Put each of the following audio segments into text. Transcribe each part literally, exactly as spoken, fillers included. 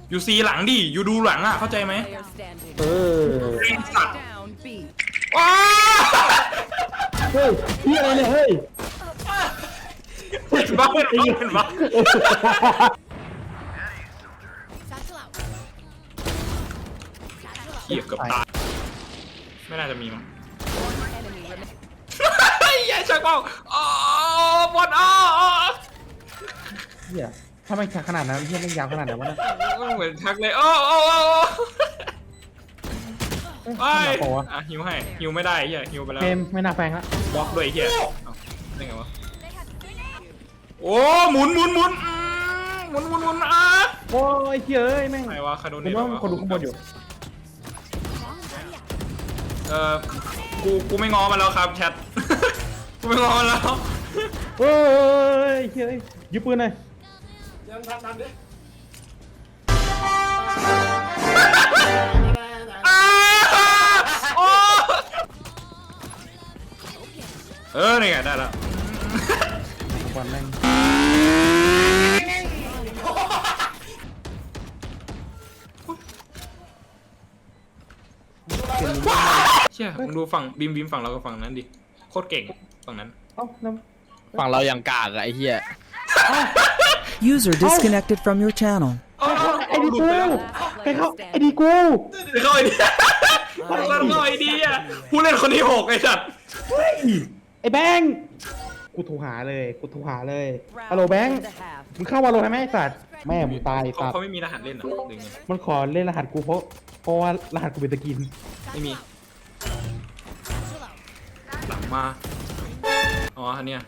อยู่ซีหลังดิอยู่ดูหลังอ่ะเข้าใจไหมเออไอ้สัตว์ Down B. ว้าเฮ้ยพี่อะไรเนี่ยเฮ้ยเห็นบ้าเห็นบ้าเห็นบ้าเหี้ยเกือบตายไม่น่าจะมีมั้ง Enemy remaining. ไอ้ยัยชักเป้าอ๋อบอลอ๋อเฮียถ้าไม่ขนาดนั้นเฮียไม่ยาวขนาดไหนวะนะเหมือนชักเลยโอ้โอ้โอ้ไปอ่ะฮิวให้ฮิวไม่ได้เฮียฮิวไปแล้วเกมไม่น่าแฟงละบล็อกด้วยเฮียได้ไงวะโอ้หมุนหมุนหมุนหมุนหมุนหมุนอ่ะโอ้ยเฮียเอ้ยแม่งใครวะคาโดผเนมตว่าคนดูข้างบนอยู่เออกูกูไม่ง้อมันแล้วครับแชทกูไม่ง้อมันแล้วโอ้ยเฮียยืมปืนหน่อยยังทำทำดิโอ้เออนี่ไงได้แล้วบอลแม่งเชี่ยมึงดูฝั่งบีมบีมฝั่งเรากับฝั่งนั้นดิโคตรเก่งฝั่งนั้นเอ้าน้ฝั่งเรายังกากอะไอ้เหี้ย User disconnected from your channel. ำไอ้ดีกูใครเข้าไอ้ดีกูเข้าไอเดียเข้าไอเดียผู้เล่นคนที่หกไอ้สัตว์เฮ้ยไอ้แบงค์กูโทรหาเลยกูโทรหาเลยฮัลโหลแบงค์ In the half. มึงเข้าวาโลให้ไหมไอ้สัตว์แม่มึงตายไอ้เขาสัตว์เขาไม่มีรหัสเล่นหรอหรือไงมันขอเล่นรหัสกูเพราะเพราะว่ารหัสกูเป็นตะกินไม่มีหลังมาอ๋ออันเนี้ย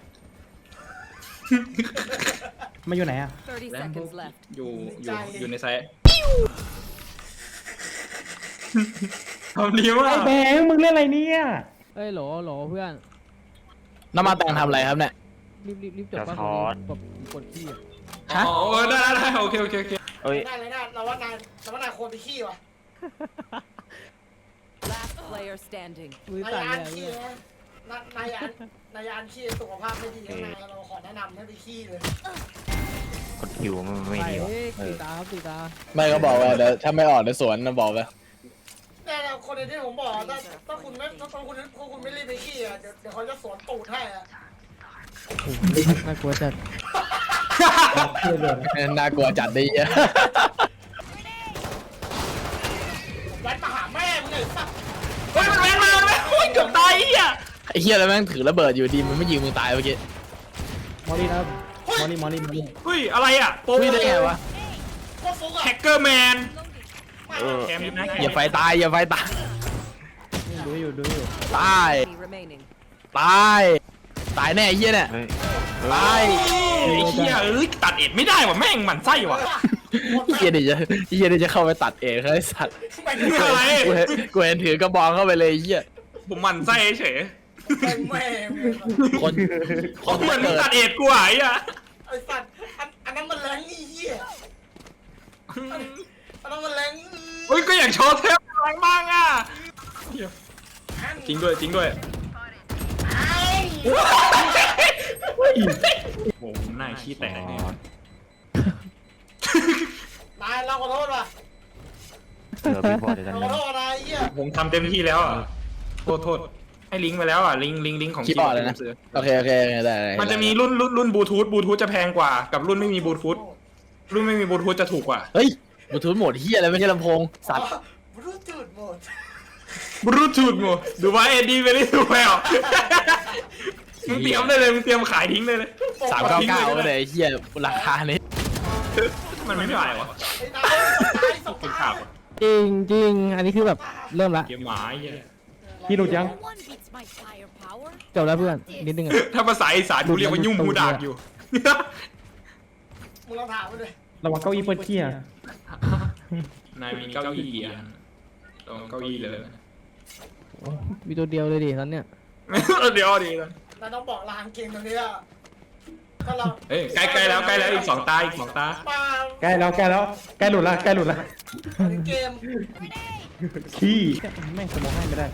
มาอยู่ไหนอะ thirty แล้ว seconds left. อยู่อยู่อยู่ในไซต์ทำดีมาไอ้กแบงค์มึงเล่นอะไรเนี่ยเอ้ยโหลโหลเพื่อนน้ำมาแตงทำอะไรครับเนี่ยรีบรีบรีบจบบ้านกดกดที่อ่ะฮะอ๋อได้ได้ได้โอเคโอเคโอเคเอ้ยได้เลยนะเราว่านายเราว่านายควรไปขี้ว่ะ Last player standing. มือนายสั่นอันเลยขี้อะนะนายอันนายอันขี้สุขภาพไม่ดีนายเราขอแนะนำให้ไปขี้เลยกดคิวมันไม่ไปดีวะเฮ้ยเอตีอตาครับตีตาไม่ก็บอกว่าเดี๋ยวถ้าไม่ออกในสวนนะบอกไปแต่คนที่ผมบอกถ้าถ้าคุณไม่ถ้าคุณถ้าคุณไม่รีบไปขี้อ่ะเดี๋ยวเดี๋ยวเขาจะสวนตูดให้อ่ะน่ากลัวจัดน่ากลัวจัดดิเหี้ยยัดมาหาแม่มึงเลยสักเฮ้ยมันเว้นมาเลยโอ้ยเกือบตายไอ้เหี้ยไอ้เหี้ยแล้วแม่งถือระเบิดอยู่ดีมันไม่ยิงมึงตายเมื่อกี้มอลลี่นะมอลลี่มอลลี่มอลลี่เฮ้ยอะไรอ่ะโป๊วิ่งได้ไงวะโคตรฟุกอ่ะแฮกเกอร์แมนเออแคมป์นะอย่าไฟตายอย่าไฟตายดูอยู่ดูอยู่ตาย Enemy remaining. ตายตายแน่ไอ้เหี้ยเนี่ยเฮ้ยตายไอ้เหี้ยเอ้ยตัดเอ็ดไม่ได้ว่ะแม่งหมันไส้ว่ะไอ้เหี้ยเดี๋ยวจะไอ้เหี้ยเดี๋ยวจะเข้าไปตัดเองเขาไอ้สัตว์ไปมึงอะไรกูเห็นกูเห็นถือกระบองเข้าไปเลยไอ้เหี้ยผมหมันไส้เฉยแม่แม่คนคนเหมือนมึงเกิดตัดเอ็ดกูอ่ะไอ้เหี้ยไอ้สัตว์อันอันนั้นมันแรงนี่เหี้ยอันนั้นมันแรงเฮ้ยก็อยากโชว์เทปอะไรบ้างอ่ะเหี้ยจริงด้วยจริงด้วยโอ้โหหน้าขี้แตกเนี่ยนายเราขอโทษว่ะเออพี่พอเดี๋ยวเรานั้นขอโทษนายเหี้ยผมทำเต็มที่แล้วอ่ะโทษโทษให้ลิงก์ไปแล้วอ่ะลิงก์ลิงก์ลิงก์ของคิดบอร์ดเลยนะซื้อโอเคโอเคโอเคได้ได้มันจะมีรุ่นรุ่นรุ่นบลูทูธบลูทูธจะแพงกว่ากับรุ่นไม่มีบลูทูธรุ่นไม่มีบลูทูธจะถูกกว่าเฮ้ยบลูทูธโหมดเหี้ยอะไรไม่ใช่ลำโพงสัตว์รู้จุดหมดบลูทูธหมดดูว่าเอ็ดดี้ไม่ได้ถูกแล้วมึงเตรียมได้เลยมึงเตรียมขายทิ้งได้เลยสามเก้าเก้าเลยไอ้เหี้ยราคานี้มันไม่ได้วะไอ้นายนายสงเป็นสาข่าวรอะจริงจริงอันนี้คือแบบเริ่มละเกมหมาไอ้เหี้ยพี่ดูยัง One beats my firepower. จบแล้วเพื่อนนิดนึงอ่ะถ้าภาษาอีสานกูเรียกว่ายุ่งมูดากอยู่มึงลองถามมันเลยระวังเก้าอี้เปิดขี้อะนายมีเก้าอี้อ่ะตรงเก้าอี้เลยมีตัวเดียวเลยดิตอนเนี้ยเดี๋ยวดีนะนายต้องบอกรางเกมตรงนี้อ่ะถ้าเราเฮ้ยใกล้ใกล้แล้วใกล้แล้วอีกสองตาอีกสองตาปาใกล้แล้วใกล้แล้วใกล้หลุดละใกล้หลุดละเกมขี้แม่งสมองให้ไม่ได้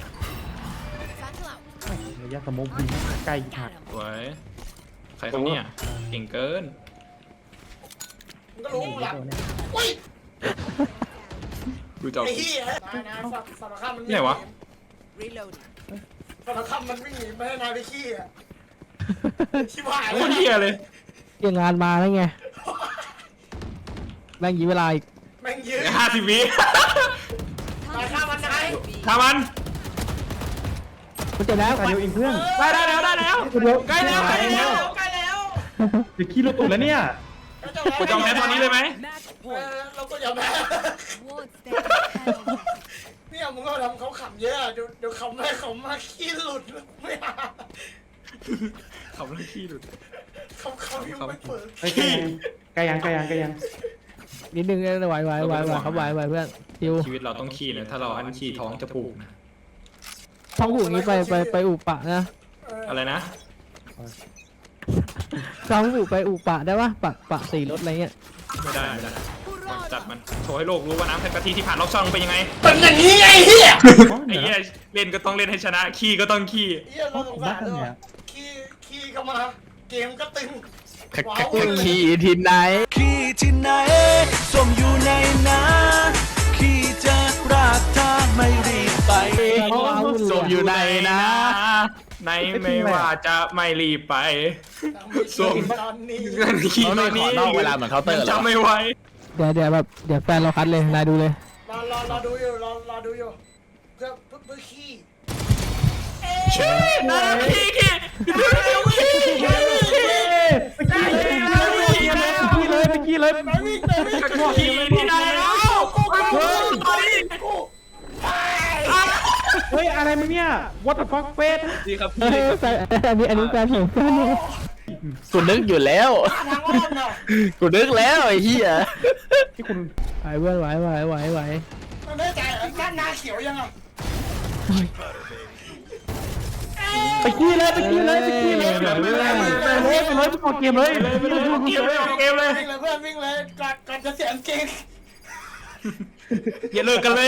ระยะสมองบินใกล้หักสวยใครครับเนี่ยเก่งเกินมึงก็รู้หลังอุ้ยกูจะเอาไอ้เหี้ยนายนายสัตว์สัตว์ข้ามมันไหนวะ Reloading. สัตว์ข้ามมันวิ่งหนีไม่ให้นายไปขี้อ่ะชิบหายโคแล้วตรเหี้ยเลยเกี่ยงงานมาแล้วไงแม่งยีเวลาอีกแม่งยืนห้าสิบวินายข้ามมันนายทำมันมันจะแล้วตาเดียวเองเพื่อนได้ได้แล้วได้แล้วเดียวใกล้แล้วใกล้แล้วใกล้แล้วจะขี้รถตูดแล้วเนี่ยกูจองแพ้ตอนนี้เลยไหม Match เอ point. อเราก็อย่าแพ้ Won't stand held. เนี่ยมึงก็ทำเขาขำเยอะเดี๋ยวเดี๋ยวเขาไม่เขามาขี้หลุดไม่เอาขับเรื่องขี้หลุดเขาเขายังไม่เปิดไอ้ไกลยังไกลยังไกลยังนิดนึงไหวไหวไหวไหวครับไหวไหวเพื่อนชิวชีวิตเราต้องขี้นะถ้าเราอันขี้ท้องจะผูกนะท้องผูกนี้ไปไปไปอุปะนะอะไรนะท้องผูกไปอุปะได้ปะปะปะสีรถอะไรเงี้ยไม่ได้ไม่ได้จัดมันโชว์ให้โลกรู้ว่าน้ำแพ็กกะทิที่ผ่านรอบช่องเป็นยังไงเป็นอย่างนี้ไงเฮียไอ้เหี้ยเล่นก็ต้องเล่นให้ชนะขี้ก็ต้องขี้เฮียเราสงสารด้วยขี้ขี้ก็มาเกมก็ตึงขี่ที่ไหนขี้ที่ไหนส้มอยู่ในนาขี้จะรักเธอไม่รีบไปศพอยู่ในนะในไม่ว่าจะไม่รีบไป ส้มตอนนี้เงินขี้เขาตไม่อนขอนี้นอกเวลาเหมือนเคาน์เตอร์เหรอจำไม่ไหวเดี๋ยวเดี๋ยวแบบเดี๋ยวแฟนเราคัดเลยนายดูเลยรอรอรอดูอยู่รอรอดูอยู่เพื่อเพื่อเพื่อขี้นะขี้ขี้ขี้ขี้ขี้เลยขี้เลยไปขี้เลยไปวิ่งไปวิ่งขี้ที่ไหนแล้วตอนนี้เฮ้ยอะไรมึงเนี่ย what the fuck เฟสดีครับเฮ้ยแฟนอันนี้อันนี้แฟนผมแฟนผมกูนึกอยู่แล้วทางอ้อมน่ะกูนึกแล้วไอ้เหี้ยที่คุณไหวเพื่อนไหวไหวไหวไหวมันได้ใจด้านหน้าเขียวยังอ่ะไปขี้เลยไปขี้เลยไปขี้เลยไปเลยไปเลยไปเลยไปกดเกมเลยเลยไปเลยออกเกมเลยออกเกมเลยวิ่งเลยเพื่อนวิ่งเลยก่อนก่อนจะเสียงเกงอย่าเลิกกันเลย